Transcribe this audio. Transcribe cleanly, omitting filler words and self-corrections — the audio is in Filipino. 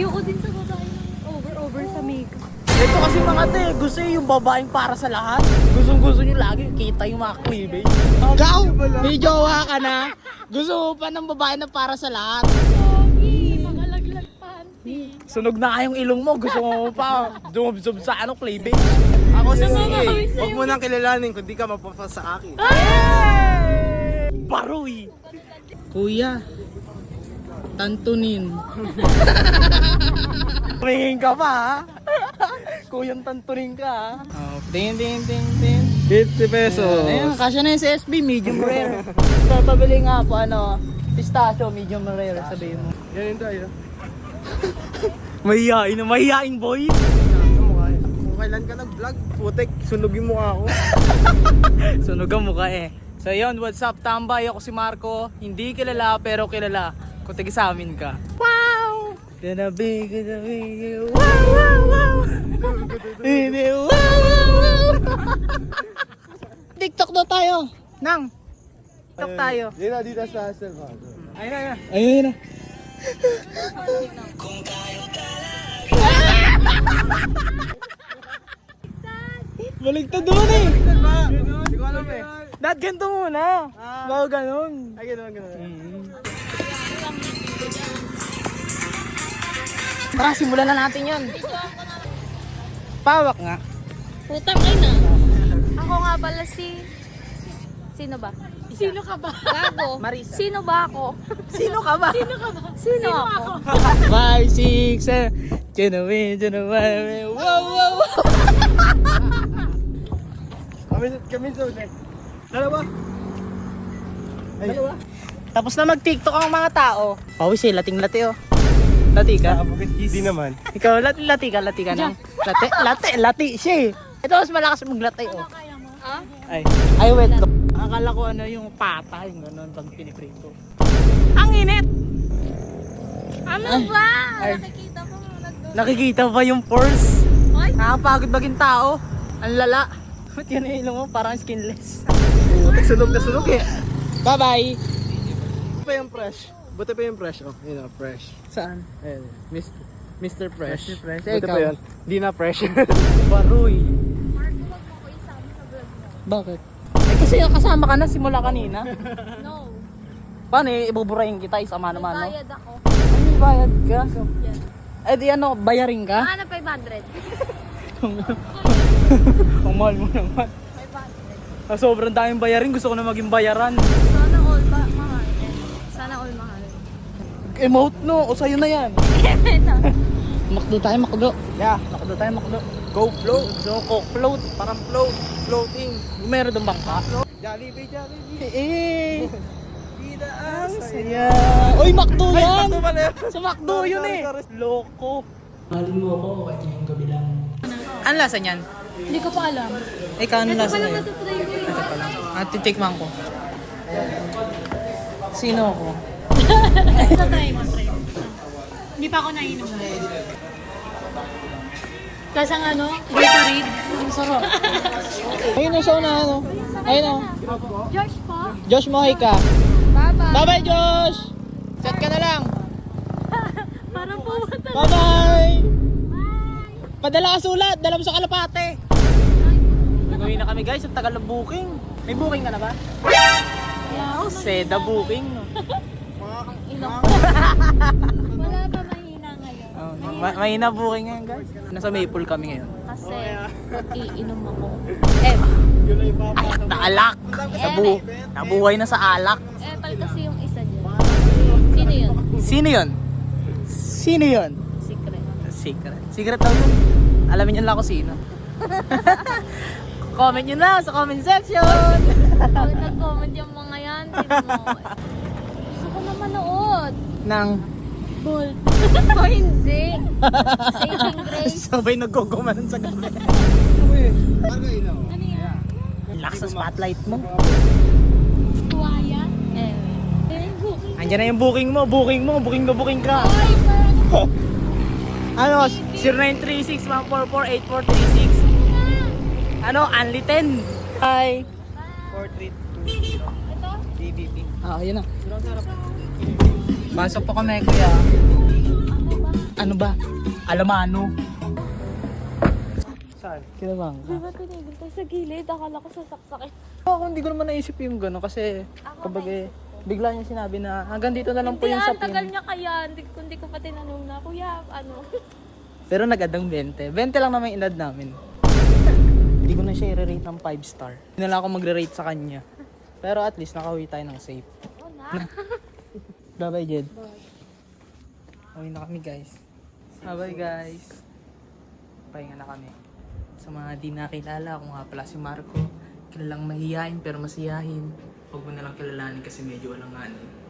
Ayoko din sa babae over sa makeup. Ito kasi mga te, gusto yung babaeng para sa lahat. Gusto nyo lagi kita yung mga cleavage. Ikaw, may jowa ka na. Gusto mo pa ng babae na para sa lahat. Pogi, makalaglag panty. Sunog na kayong ilong mo, gusto mo pa dumubsob sa cleavage. Ako si Namamawis Sige. na Huwag yung- mo nang kilalanin kung di ka mapapa sa akin. Baroy! Kuya, tantunin. Tumingin ka pa ha? Kuyang tantunin ka ha? Oh, ting. 50 pesos. Ayun, kasya na yung sa SB, medium rare. So, pabili nga po, pistachio, medium rare, sabihin mo. Yan tayo. Mahihain boy. Kung kailan ka nag-vlog, putek, sunog yung mukha ko. Sunog ang mukha eh. So yun, what's up tambay? Ako si Marco. Hindi kilala pero kilala. Kung taga sa amin ka. Wow! Gonna be. Wow! Hindi, wow! TikTok daw tayo. Nang. TikTok tayo. Dito sa Selva. Ayun na. Baligtad doon eh. Hindi ko alam eh. Dad, ganito muna. Bago ganun. Ay, gano'n. Tara, simulan na natin yun. Pawak nga. Putang ina. Ako nga pala si... Sino ba? Sino ka ba? Gago. Marisa. Sino ba ako? Sino ka ba? Sino ako? 5, 6, 7. Genuine. Wow. Kami sa ulit. Dalawa. Tapos na mag-TikTok ang mga tao. Pawis eh, lating-lati oh. Lati ka? Hindi naman. Ikaw, lati ka na. Lati siya eh. Ito mas malakas maglatay oh. Ah? Ay, wait. Akala ko yung pata, yung gano'n pag piniprito. Ang init! Ano ba? Ay. Nakikita mo nagdoon. Nakikita ba yung pores? Ay, Nakakapagod maging tao. Ang lala. Ba't yun yung ilong mo? Parang skinless. Sunog na sunog eh. Bye-bye! Buti pa yung fresh. Buti pa yung fresh. Oh, yun fresh. Saan? Ayun. Mr. Fresh. Mr. Fresh. Buti pa yun. Di na fresh. Baroy. Marco, wag mo ko isama sa vlog mo. Bakit? Eh kasi kasama ka na simula kanina. No. Paano eh, ibuburahin kita isama naman no? Bayad ako. Ano bayad ka? Yan. Eh di bayarin ka? Ano, 500? Ang mahal mo naman. 500. Ah, sobrang daming bayarin, gusto ko na maging bayaran. Sana all mahal. Sana all mahal. Emote no, o sa'yo na yan. Ito. Makdo tayo, makdo. Yeah. Makdo tayo, makdo. Go float. So, coke float. Parang floating. Meron doon bangka. Jollibee. Eh, Bida ang saya. Uy, makdo yan! Ito pala yun. Sa makdo yun eh. Loko. Mahal mo ako, kahit ngayong gabi lang. Ano lasa niyan? Hindi ko pa alam. Ikaw, ano Ito lasa pala niyan? matutry ko eh. At titikman ko. Sino ako? Try mo. Hindi pa ako nainom. Kasi ang Gatorade. Ang sarap. Ayun na siya na ano. Ayun o. George po. Josh Mohay ka. Bye-bye. Bye-bye, Josh! Chat ka na lang. Parang pumunta. Bye-bye! Padala ka sulat. Dala mo sa Kalapate. Nagawin na kami guys. Ang tagal ng booking. May booking ka na ba? Oh, seda booking. No? Ang ino. Wala pa mahina ngayon. Mahina booking ngayon guys. Nasa Maple kami ngayon. Kasi iinom ako. Alak na alak. Nabuhay na sa alak. Pal kasi yung isa dyan. Sino yun? Sino yun? Sino yun? Secret. Secret daw yun. Alamin nyo lang kung sino. Comment nyo na sa comment section. Pag nag-comment yung mga yan, sino mo? Gusto ko na manood. Nang Bold. O hindi. Saving Grace. sabay nagkukumanan sa gabi. Margo ilaw. Ano yan? Lakas sa spotlight mo. Tuwaya? Booking. Andiyan na yung booking mo. Booking ka. Ay, parang Ano? 0936-144-8436. Ano? Only 10. Hi. 4320. ito. DBP. Ah, yun na. Pasok po kami, kuya. Ano ba? ano ba? Alamano. Saan? Kinabang Di ba tinigil tayo sa gilid? Akala ko sasaksakin. Ako hindi ko naman naisip yung gano'n kasi kapag bigla niya sinabi na hanggang dito na lang po yung Ang tagal sapin. niya kaya. Hindi ko pa tinanong na, kuya, ano? Pero nag-adang 20. 20 lang naman yung edad namin. Hindi ko na siya i-rate ng 5 star. Hindi na lang ako magre-rate sa kanya. Pero at least nakauwi tayo ng safe. Oo na. Bye-bye, Jed. Uwi na kami, guys. Bye-bye, guys. Pahinga na kami. Sa mga di nakilala, ako nga pala si Marco. Kilalang mahihain pero masiyahin. Huwag mo na lang kilalanin kasi medyo alanganin.